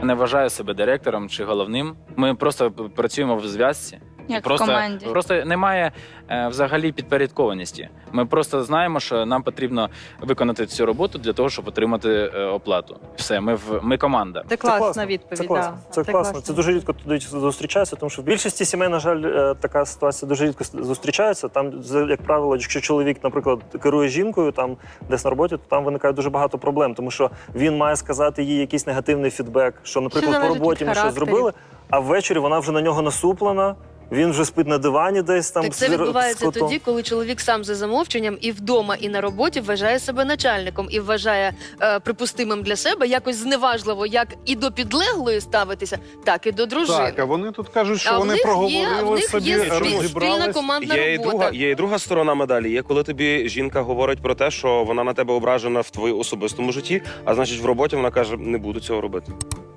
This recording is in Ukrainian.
Не вважаю себе директором чи головним. Ми просто працюємо в зв'язці. Як в Просто, команді. просто немає взагалі підпорядкованості. Ми просто знаємо, що нам потрібно виконати цю роботу для того, щоб отримати оплату. Все, ми команда. Це класна відповідь. Це класно. Це класно. Це дуже рідко туди зустрічається, тому що в більшості сімей, на жаль, така ситуація дуже рідко зустрічається. Там, як правило, якщо чоловік, наприклад, керує жінкою там десь на роботі, то там виникає дуже багато проблем, тому що він має сказати їй якийсь негативний фідбек, що, наприклад, по роботі ми щось зробили, а ввечері вона вже на нього насуплена. Він вже спить на дивані десь там. Так це відбувається тоді, коли чоловік сам за замовченням і вдома, і на роботі вважає себе начальником і вважає припустимим для себе якось зневажливо як і до підлеглої ставитися, так і до дружини. Так, а вони тут кажуть, що А вони проговорили собі, є спільна розібрались. командна робота. Є і друга сторона медалі. Є, коли тобі жінка говорить про те, що вона на тебе ображена в твоєму особистому житті, а значить в роботі вона каже, не буду цього робити.